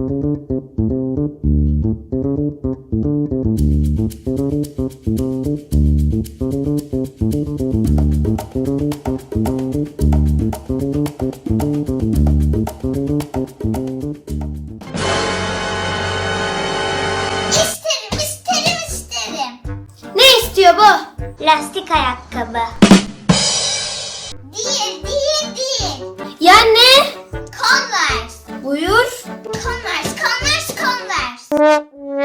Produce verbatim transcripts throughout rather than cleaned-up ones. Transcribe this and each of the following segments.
İsterim, isterim, isterim. Ne istiyor bu? Lastik ayakkabı. Değil, değil, değil. Ya ne? Converse. Buyur. Converse, Converse, Converse.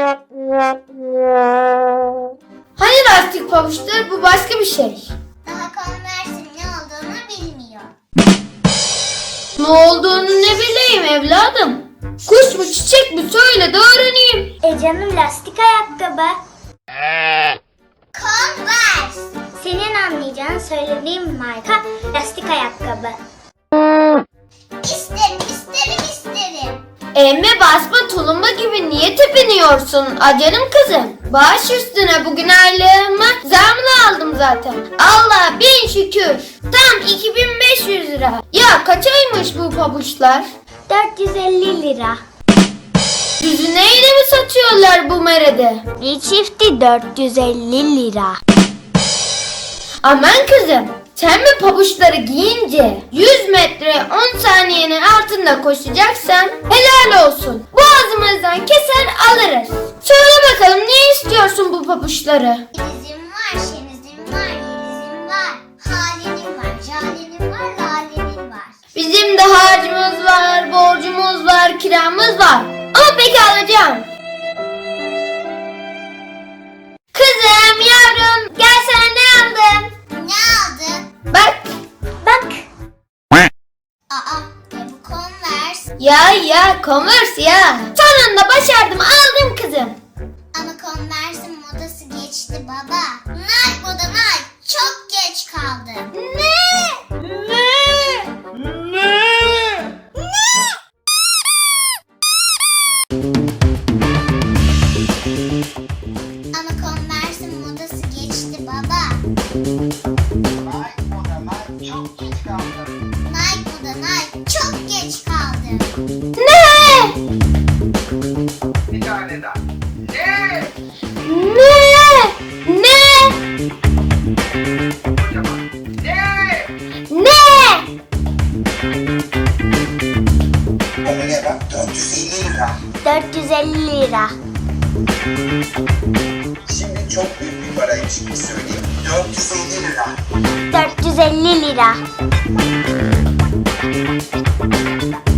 Hani lastik pabuçtur, bu başka bir şey. Daha Converse'in ne olduğunu bilmiyor. Ne olduğunu ne bileyim evladım. Kuş mu çiçek mi söyle de öğreneyim. E canım, lastik ayakkabı. Converse. Senin anlayacağın söylediğim marka lastik ayakkabı. İsterim, isterim, isterim. Emme basma tulumba gibi niye tepiniyorsun acanım kızım? Baş üstüne bugün aylığımı zamla aldım zaten. Allah bin şükür. Tam iki bin beş yüz lira. Ya kaçaymış bu pabuçlar? dört yüz elli lira. Düzü neyle mi satıyorlar bu merede? Bir çifti dört yüz elli lira. Aman kızım, sen mi pabuçları giyince yüz metre on saniyenin altında koşacaksan helal olsun. Boğazımızdan keser alırız. Söyle bakalım ne istiyorsun bu pabuçları? Dizim var, şenizim var, yelizim var. Halenim var, jalenim var, lalenim var. Bizim de harcımız var, borcumuz var, kiramız var. Ama peki alacağım. Kızım, yavrum, gel sana ne aldım? Ne aldın? Bak. Bak. Aa, e bu Converse. Ya ya, Converse ya. Sonunda başardım, aldım kızım. Ama Converse'in modası geçti baba. Nike moda Nike. Çok geç kaldı. Ne? Ne? Ne? Ama Converse'in modası geçti baba. Nike moda Nike çok geç kaldı. Nike moda Nike. Çok geç kaldı. Ne? Bir tane daha. Ne? Ne? Ne? Kocaman. Ne? Ne? Oraya bak dört yüz elli lira. dört yüz elli lira. Şimdi çok büyük bir paraymış gibi söyleyeyim. dört yüz elli lira. dört yüz elli lira.